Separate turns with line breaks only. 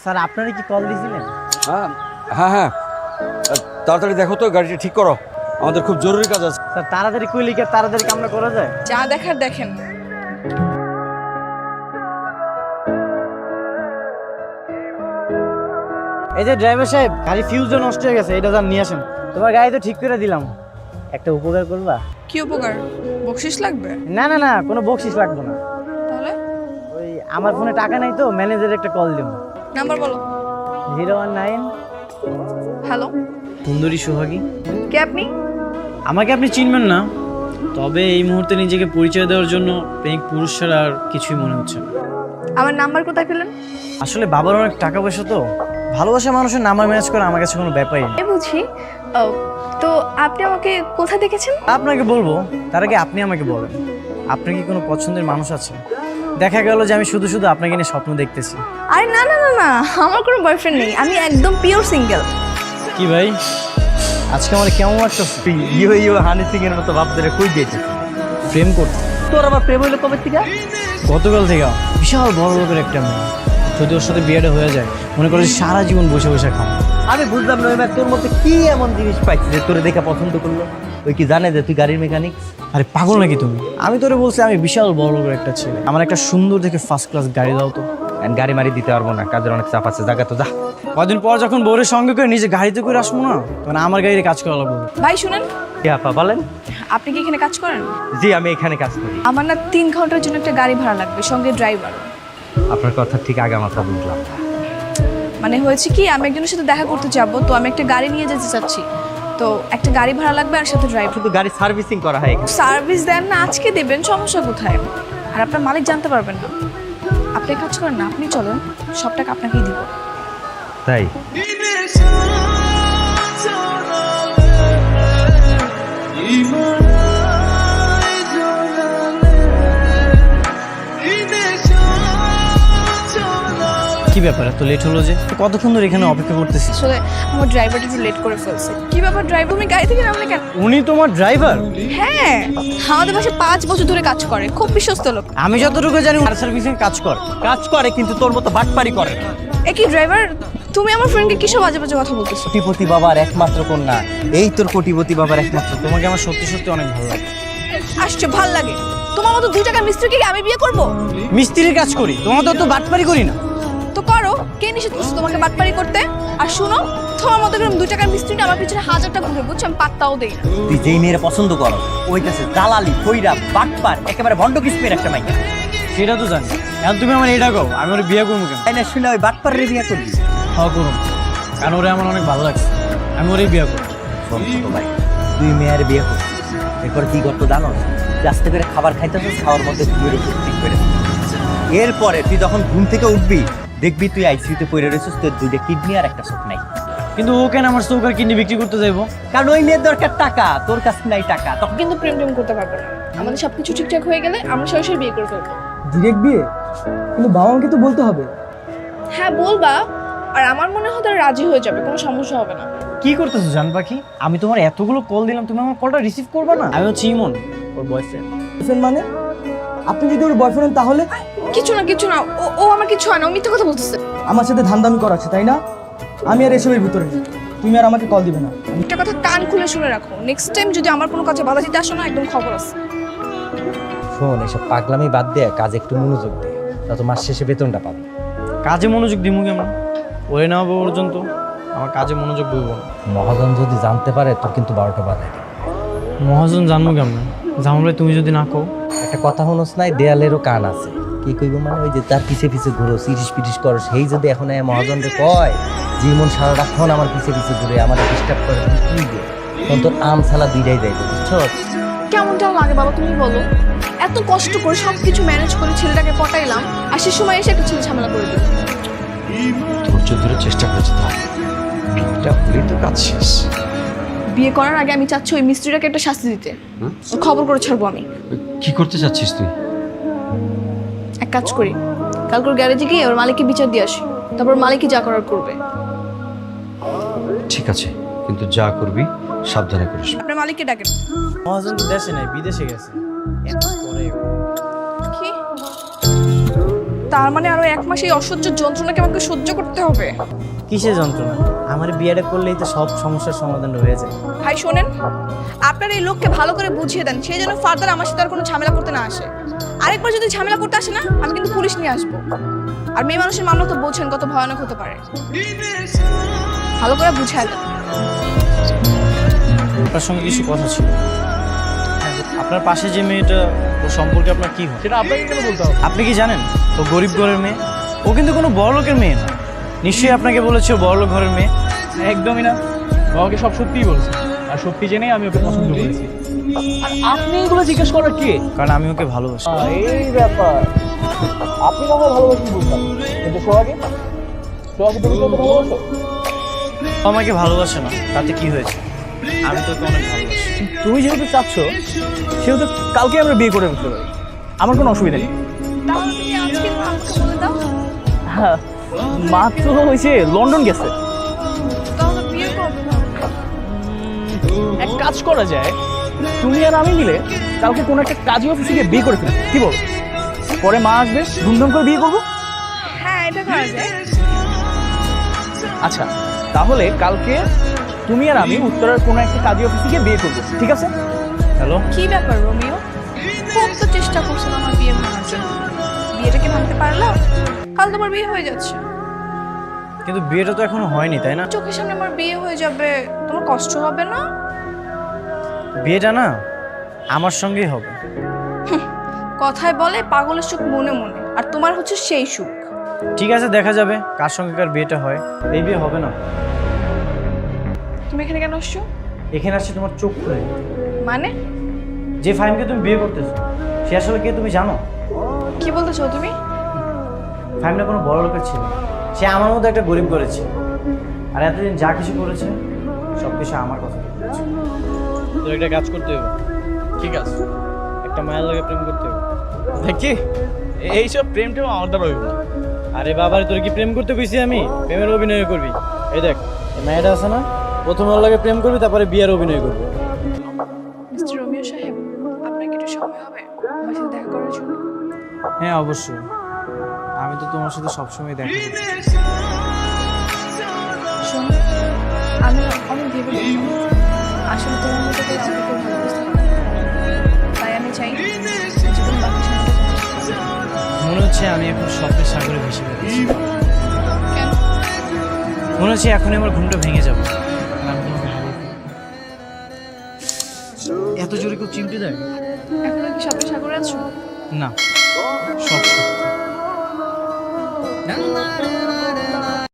Sir আপনারা কি call দিয়েছিলেন?
হ্যাঁ হ্যাঁ হ্যাঁ, তাড়াতাড়ি দেখো তো, গাড়িটা ঠিক করো, আমাদের খুব জরুরি কাজ আছে।
স্যার তাড়াতাড়ি কইলে কি আর তাড়াতাড়ি কামনা করা যায়?
যা দেখার দেখেন।
এই যে ড্রাইভার সাহেব, গাড়ি ফিউজও নষ্ট হয়ে গেছে, এটা যান নিয়ে আসেন। তোমার গাড়ি তো ঠিক করে দিলাম, একটা উপকার করবা?
কি উপকার? বকশিস লাগবে?
না না না, কোনো বকশিস লাগবে না।
তাহলে
ওই আমার ফোনে টাকা নাই তো, ম্যানেজারের একটা কল দিও।
নাম্বার বলো।
019।
হ্যালো,
সুন্দরী সোহাগী।
কে আপনি?
আমাকে আপনি চিনবেন না, তবে এই মুহূর্তে নিজেকে পরিচয় দেওয়ার জন্য প্রেমিক পুরুষ ছাড়া আর কিছুই মনে হচ্ছে না।
আমার নাম্বার কোথায় পেলেন?
আসলে বাবার অনেক টাকা পয়সা তো, ভালোবাসা মানুষের নাম্বার ম্যানেজ করা আমার কাছে কোনো ব্যাপারই না।
বুঝি। তো আপনি আমাকে কোথায় দেখেছেন?
আপনাকে বলবো, তার আগে আপনি আমাকে বলেন, আপনার কি কোনো পছন্দের মানুষ আছে? দেখা গেল যে আমি শুধু শুধু আপনাকে নিয়ে স্বপ্ন দেখতেছি।
আরে না না না না, আমার কোনো বয়ফ্রেন্ড নেই, আমি একদম পিওর সিঙ্গেল।
কি ভাই, আজকে আমার কেমন লাগতেছে?
ইয়ো হানি সিং এর মতো বাপ ধরে কই দিয়েছে
প্রেম করতে?
তোর আবার প্রেম হইলো কবে থেকে?
গতকাল থেকে বিশাল বড় লোকের একটা মেয়ে, যদি ওর সাথে বিয়েটা হয়ে যায়, মনে করে সারা জীবন বসে বসে খাও।
আমি বুঝলাম না এবার তোর মধ্যে কি এমন জিনিস পাইছিস যে তোরে দেখে পছন্দ করলো? ওই কি জানে যে তুই গাড়ির মেকানিক?
আরে পাগল নাকি তুমি? আমি তোরে বলছি আমি বিশাল বড় লোকের একটা ছেলে, আমার একটা সুন্দর দেখে ফার্স্ট ক্লাস গাড়ি দাও তো।
গাড়ি মারি দিতে পারবো না, কাজের অনেক চাপ আছে, জায়গা তো যা।
কদিন পর যখন বউরের সঙ্গে করে নিজে গাড়িতে করে আসবো না, তখন আমার গাড়িতে কাজ করা লাগবে।
ভাই শুনেন,
কে আপা বলেন?
আপনি কি এখানে কাজ করেন?
জি আমি এখানে কাজ করি।
আমার না 3 ঘন্টার জন্য একটা গাড়ি ভাড়া লাগবে, সঙ্গে ড্রাইভার।
আপনার কথা ঠিক আগে মাথা বুঝলাম।
মানে হয়েছে কি, আমি একজনের সাথে দেখা করতে যাবো, তো আমি একটা গাড়ি নিয়ে যেতে চাচ্ছি, তো একটা গাড়ি ভাড়া লাগবে আর সাথে ড্রাইভার।
শুধু গাড়ি সার্ভিসিং করা হয় এখানে।
সার্ভিস দেন না, আজকে দেবেন, সমস্যা কোথায়? আর আপনার মালিক জানতে পারবেন না। আপনি কাজ করেন না, আপনি চলেন, সব টাকা আপনাকেই দিব।
তাই?
কি ব্যাপার, এত লেট হলো যে? কতক্ষণ ধরে এখানে অপেক্ষা করতেছি।
আসলে আমার ড্রাইভারটা একটু লেট করে ফেলছে। কি ব্যাপার ড্রাইভার, তুমি গাড়ি থেকে নামলে কেন?
উনি তোমার ড্রাইভার?
হ্যাঁ, আমাদের বাসায় 5 বছর ধরে কাজ করে, খুব বিশ্বস্ত লোক।
আমি যতটুকু জানি কার সার্ভিসিং কাজ কর।
কাজ করে কিন্তু তোর মতো বাটপারি করে না।
একই ড্রাইভার, তুমি আমার ফ্রেন্ডকে কিসব বাজে বাজে কথা বলতেছো?
কোটিপতি বাবার একমাত্র কন্যা, এই তোর কোটিপতি বাবার একমাত্র।
তোমাকে আমার সত্যি সত্যি অনেক ভালো লাগে।
আসছে, ভাল লাগে। তোমার মতো 2 টাকার মিস্ত্রিকে কি আমি বিয়ে করব?
মিস্ত্রির কাজ করি, তোমার তো বাটপারি করি না।
তো করো, কে নিষেধ করছে তোমাকে বাটপারি করতে? আর শুনো, তোমার মতো করে 2 টাকার মিস্ত্রিটা আমার পিছনে 1000টা ঘুরে, বুঝছো? আমি পাত্তাও দেই না।
তুই যেই মেয়ের পছন্দ করো ওই কাছে দালালি, কইরা, বাটপার, একেবারে ভণ্ড কিস্মের একটা মাইয়া।
সেটা তো জানি, এখন তুমি আমার এটা কও, আমি ওর বিয়ে করবো কেন?
তাই না, শুনে ওই বাটপারের বিয়ে করবি?
হ্যাঁ করুন, কারণ ওরে আমার অনেক ভালো লাগছে, আমি ওরই বিয়ে করবো।
শোন ছোট ভাই, তুই মেয়ের বিয়ে করছিস, এরপর কি করতো জানো? আস্তে করে খাবার খাইতেছিস, খাওয়ার মধ্যে তুই ঠিক করে দিস। এরপরে তুই যখন ঘুম থেকে উঠবি, দেখবি তুই আইসিইউতে পড়ে রয়েছিস, তোর 2টা কিডনি আর একটা চোখ নাই।
কিন্তু ও কেন আমার চৌকার কিডনি বিক্রি করতে যাইবো?
কারণ ওই মেয়ের দরকার টাকা, তোর কাছে নাই টাকা। তখন
কিন্তু প্রেম করতে পারবো না। আমাদের সবকিছু ঠিকঠাক হয়ে গেলে আমরা সরাসরি বিয়ে করে ফেলবো।
ডিরেক্ট বিয়ে? কিন্তু বাবা মাকে তো বলতে হবে।
হ্যাঁ বলবা, আর আমার মনে হয় তারা রাজি হয়ে যাবে, কোনো সমস্যা হবে না।
কি করতেছো জান পাখি? আমি তোমার এতগুলো কল দিলাম, তুমি আমার কলটা রিসিভ করবে না? আমি হচ্ছে ইমন, ওর বয়ফ্রেন্ড।
বয়ফ্রেন্ড মানে? আপনি যদি ওর বয়ফ্রেন্ড তাহলে?
কিছু না কিছু না, ও আমার কিছু হয় না, ও মিথ্যে কথা বলতেছে।
আমার সাথে ধান্দামি করাচ্ছে তাই না? আমি আর এসবের ভিতরে নেই। তুমি আর আমাকে কল দিবে না।
একটা কথা কান খুলে শুনে রাখো, নেক্সট টাইম যদি আমার কোনো কাজে বাধা দিতে আসো না, একদম খবর আছে।
শোন, এসব পাগলামি বাদ দে, কাজে একটু মনোযোগ দে, তত মাস শেষে বেতনটা পাবি।
কাজে মনোযোগ দিমু কেমন? ওরে না হবো পর্যন্ত আমার কাজে মনোযোগ বইব না।
মহাজন যদি জানতে পারে তোর কিন্তু 12টা বাজে।
মহাজন জানবো কেমন? জানলে তুমি যদি না কও।
একটা কথা হনস নাই, দেয়ালেরও কান আছে। কি কইব মানে, ওই যে তার পিছে পিছে ঘুরো, সিরিস পিটিস করো, সেই যদি এখন মহাজনকে কয় জীবন সারা রাক্ষণ আমার পিছে পিছে ঘুরে আমার ডিস্টার্ব করে, কি দে তখন তোর আম ছালা দুইটাই যাইবে, বুঝছো?
কেমনটা লাগে বাবা তুমি বলো? এত কষ্ট করে সবকিছু ম্যানেজ করে ছেলেটাকে পটাইলাম, আর সে সময় এসে একটা ছেলে ঝামেলা করে দিল।
ধৈর্য ধরে চেষ্টা করেছে, তো এটা হলেই তো কাজ শেষ।
বিয়ে করার আগে আমি চাচ্ছি ওই মিস্ত্রিটাকে একটা শাস্তি দিতে। ওর খবর করে ছাড়বো আমি।
কি করতে চাচ্ছিস তুই?
এক কাজ করি, কালকে ওর গ্যারেজে গিয়ে ওর মালিককে বিচার দিয়ে আসি, তারপর মালিকই যা করার করবে।
ঠিক আছে, কিন্তু যা করবি সাবধানে করিস।
আপনার মালিককে ডাকেন।
মহাজন তো দেশে নাই, বিদেশে গেছে। এত পরে
কি তার মানে আরো 1 মাস এই অসহ্য যন্ত্রণাকে আমাকে সহ্য করতে হবে?
কিসের যন্ত্রণা? আমার বিয়েটা করলেই তো সব সমস্যার সমাধান হয়ে যায়।
ভাই শোনেন, আপনার এই লোককে ভালো করে বুঝিয়ে দেন, সে যেন ফার্দার আমার সাথে আর কোনো ঝামেলা করতে না আসে। আরেকবার যদি ঝামেলা করতে আসে না, আমি কিন্তু পুলিশ নিয়ে আসবো। আর মেয়ে মানুষের মামলা তো বোঝেন কত ভয়ানক হতে পারে। ভালো করে বুঝায় দেন।
আপনার সঙ্গে কিছু কথা ছিল। আপনার পাশে যে মেয়েটা, ও সম্পর্কে আপনার কি হয়?
সেটা আপনাকে কেন বলতে হবে?
আপনি কি জানেন ও গরিব ঘরের মেয়ে? ও কিন্তু কোনো বড় লোকের মেয়ে না। নিশ্চয়ই আপনাকে বলেছে ও বড় লোক ঘরের মেয়ে।
একদমই না, ও আমাকে সব সত্যিই বলছে, আর সত্যি জেনেই আমি ওকে পছন্দ করেছি। আর আপনি এগুলো জিজ্ঞেস করার কে?
কারণ আমি ওকে ভালোবাসি।
এই ব্যাপার, আপনি কাউকে ভালোবাসেন বুঝলাম, কিন্তু সোহাগে তুমি কত ভালোবাসো?
ও আমাকে ভালোবাসে না, তাতে কি হয়েছে? আমি তোকে অনেক ভালোবাসি।
তুমি যেহেতু চাচ্ছ, সেহেতু কালকে আমরা বিয়ে করে ফেলতে পারি, আমার কোনো অসুবিধা নেই।
তাহলে তুমি আজকে আমাকে বলে দাও।
হ্যাঁ, মাত্র হয়েছে লন্ডন গেছে।
তাহলে বিয়ে করবে না?
এক কাজ করা যায়, তুমি আর আমি মিলে কালকে কোনো একটা কাজী অফিসে গিয়ে বিয়ে করে ফেলি, কি বলো? পরে মা আসবে, ধুমধাম করে বিয়ে করবো।
হ্যাঁ, এটা করা যায়।
আচ্ছা, তাহলে কালকে তুমি আর আমি উত্তরার কোনো একটা কাজী অফিসে গিয়ে বিয়ে করবো, ঠিক আছে?
হ্যালো,
কি ব্যাপার রোমিও? খুব তো চেষ্টা করছিল আমার বিয়ে ভাঙার জন্য। বিয়েটাকে ভাঙতে পারলাম? কাল তোমার বিয়ে হয়ে যাচ্ছে।
কিন্তু বিয়েটা তো এখনো হয়নি, তাই না?
চোখের সামনে আমার বিয়ে হয়ে যাবে, তোমার কষ্ট হবে না?
বিয়েটা না আমার সঙ্গেই হবে।
কথায় বলে পাগলের সুখ মনে মনে, আর তোমার হচ্ছে সেই সুখ।
ঠিক আছে, দেখা যাবে কার সঙ্গে কার বিয়েটা হয়। এই বিয়ে হবে না।
তুমি এখানে কেন আসছো?
এখানে আসছে তোমার চোখ খুলে।
মানে
যে ফাহিমকে তুমি বিয়ে করতেছো, সে আসলে কে তুমি জানো?
কি বলতে চাও তুমি?
ফাহিমটা কোনো বড় লোকের ছিল, সে আমার মতো একটা গরিব করেছে। আর এতদিন যা কিছু করেছে সব কিছু আমার কথা করেছে। তোর একটা কাজ করতে হবে।
ঠিক আছে,
একটা মায়ের লগে প্রেম করতে হবে।
দেখি এইসব প্রেমটাও আমার দ্বারা হইব না।
আরে বাবার, তোর কি প্রেম করতে কইছি আমি? প্রেমের অভিনয় করবি। এই দেখ, এই মেয়েটা আছে না, প্রথমে ওর লাগে প্রেম করবি, তারপরে বিয়ের অভিনয় করবি।
মিস্টার রোমিও সাহেব, আপনার কি একটু সময় হবে আমার সাথে দেখা করার জন্য?
হ্যাঁ অবশ্যই, আমি তো তোমার সাথে সবসময় দেখা করি।
শোনো, আমি অনেক ভেবে দেখলাম, আসলে তোমার মতো করে আমাকে কেউ ভালোবাসতে পারে না। তাই আমি চাই জীবন বাকি সময়টা তোমার সাথে।
মনে হচ্ছে আমি এখন স্বপ্নের সাগরে ভেসে বেড়াচ্ছি।
কেন?
মনে হচ্ছে এখনই আমার ঘুমটা ভেঙে যাবে। আর আমি তোমাকে হারিয়ে ফেলবো। এত জোরে কেউ চিমটি দেয়?
এখনো কি স্বপ্নের সাগরে আছো?
না, সব সত্যি।